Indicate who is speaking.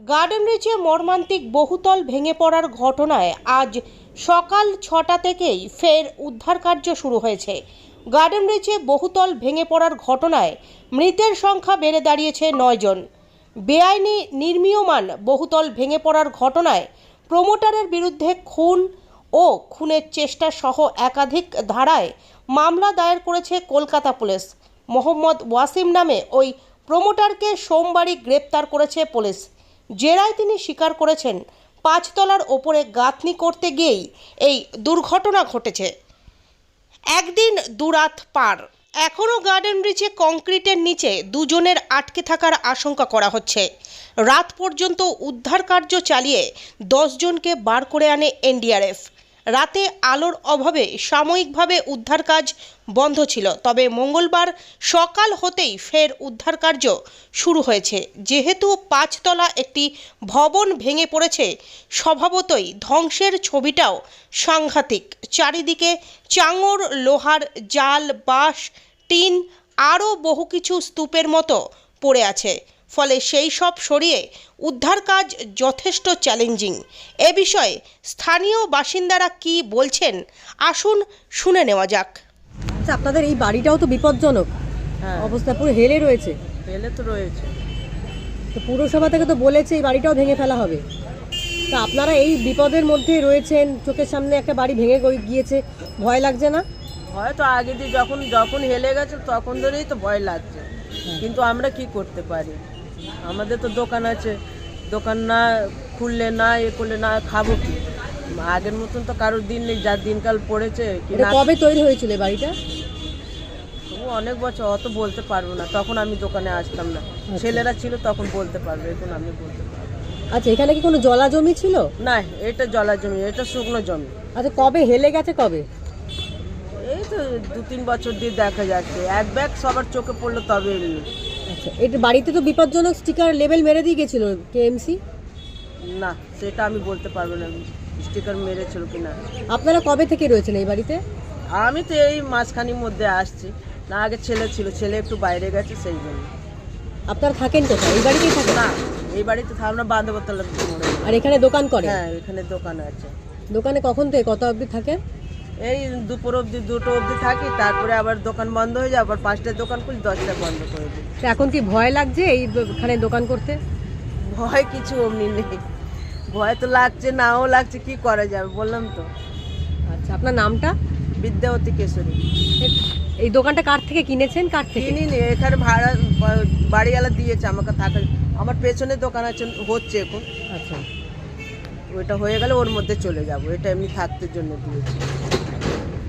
Speaker 1: Garden রিচে মর্মান্তিক বহুতল ভেঙে পড়ার ঘটনায় আজ সকাল ৬টা থেকেই ফের উদ্ধার কার্য শুরু হয়েছে। গার্ডেন রিচে বহুতল ভেঙে পড়ার ঘটনায় মৃতের সংখ্যা বেড়ে দাঁড়িয়েছে ৯ জন। বেআইনি নির্মীয়মান বহুতল ভেঙে পড়ার ঘটনায় প্রমোটারের বিরুদ্ধে খুন ও খুনের চেষ্টা সহ একাধিক ধারায় মামলা দায়ের করেছে কলকাতা পুলিশ। মোহাম্মদ ওয়াসিম নামে ওই প্রমোটারকে সোমবারই গ্রেপ্তার করেছে পুলিশ। জেরায় তিনি স্বীকার করেছেন ৫ তলার ওপরে গাঁথনি করতে গিয়েই এই দুর্ঘটনা ঘটেছে। একদিন দুরাত পার, এখনও গার্ডেন রিচে কংক্রিটের নিচে দুজনের আটকে থাকার আশঙ্কা করা হচ্ছে। রাত পর্যন্ত উদ্ধার কার্য চালিয়ে 10 জনকে বার করে আনে এনডিআরএফ। রাতে আলোর অভাবে সাময়িকভাবে উদ্ধার কাজ বন্ধ ছিল, তবে মঙ্গলবার সকাল হতেই ফের উদ্ধার কার্য শুরু হয়েছে। যেহেতু ৫ তলা একটি ভবন ভেঙে পড়েছে, স্বভাবতই ধ্বংসের ছবিটাও সাংঘাতিক। চারিদিকে চাঙড়, লোহার জাল, বাঁশ, টিন আরও বহু কিছু স্তূপের মতো পড়ে আছে। ফলে সেই সব সরিয়ে উদ্ধার কাজ যথেষ্ট চ্যালেঞ্জিং। এ বিষয়ে স্থানীয় বাসিন্দারা কি বলছেন আসুন শুনে নেওয়া যাক।
Speaker 2: আচ্ছা, আপনাদের এই বাড়িটাও তো বিপজ্জনক অবস্থা, পুরো হেলে রয়েছে।
Speaker 3: হেলে তো রয়েছে।
Speaker 2: তো পুরসভা থেকে তো বলেছে এই বাড়িটাও ভেঙে ফেলা হবে। তা আপনারা এই বিপদের মধ্যে রয়েছেন, চোখের সামনে একটা বাড়ি ভেঙে গিয়েছে, ভয় লাগছে না?
Speaker 3: হয়তো আগে দিয়ে যখন হেলে গেছে তখন ধরেই তো ভয় লাগছে, কিন্তু আমরা কি করতে পারি? আমাদের তো দোকান আছে, দোকান না খুললে না করলে না খাবো কি? আগের মতন তো কারোর দিন নেই, যার দিনকাল পড়েছে।
Speaker 2: কবে তৈরি হয়েছিল এই বাড়িটা?
Speaker 3: অনেক বছর, অত বলতে পারবো না, তখন আমি দোকানে আসতাম না। ছেলেরা ছিল তখন বলতে পারবে, এখন আমি বলতে পারবো।
Speaker 2: আচ্ছা, এখানে কি কোনো জলা জমি ছিল?
Speaker 3: না, এটা জলা জমি, এটা শুকনো জমি।
Speaker 2: আচ্ছা, কবে হেলে গেছে কবে?
Speaker 3: এই তো 2-3 বছর দিয়ে দেখা যাচ্ছে। এক ব্যাগ সবার চোখে পড়লো তবে এমনি।
Speaker 2: আচ্ছা, এটা বাড়িতে তো বিপজ্জনক স্টিকার লেবেল মেরে দিয়ে গেছিল কেএমসি।
Speaker 3: না, সেটা আমি বলতে পারবো না স্টিকার মেরেছিল কিনা।
Speaker 2: আপনারা কবে থেকে রয়েছেন এই বাড়িতে?
Speaker 3: আমি তো এই মাঝখানির মধ্যে আসছি। না, আগে ছেলে ছিল, ছেলে একটু বাইরে গেছে সেই জন্য।
Speaker 2: আপনারা থাকেন কোথায়? এই বাড়িতেই থাকেন?
Speaker 3: না, এই বাড়িতে আমরা বান্ধবতলা মোড়ে।
Speaker 2: আর এখানে দোকান করে?
Speaker 3: হ্যাঁ, এখানে দোকান আছে।
Speaker 2: দোকানে কখন থেকে কত অবধি থাকেন?
Speaker 3: এই দুপুর অবধি, 2টো অবধি থাকি, তারপরে আবার দোকান বন্ধ হয়ে যায়, আবার 5টায় দোকান খুলি, 10টায় বন্ধ করে দিই।
Speaker 2: এখন কি ভয় লাগছে এইখানে দোকান করতে?
Speaker 3: ভয় কিছু অমনি নেই, ভয় তো লাগছে, নাও লাগছে, কি করা যাবে বললাম তো।
Speaker 2: আচ্ছা, আপনার নামটা?
Speaker 3: বিদ্যাবতী কেশরী।
Speaker 2: এই দোকানটা কার থেকে কিনেছেন? কার থেকে?
Speaker 3: কিনিনি, এখানে ভাড়া বাড়িওয়ালা দিয়েছে আমাকে থাকার। আমার পেছনে দোকান আছে, হচ্ছে এখন।
Speaker 2: আচ্ছা,
Speaker 3: ওইটা হয়ে গেলে ওর মধ্যে চলে যাব, এটা এমনি থাকতে জন্য দিয়েছে।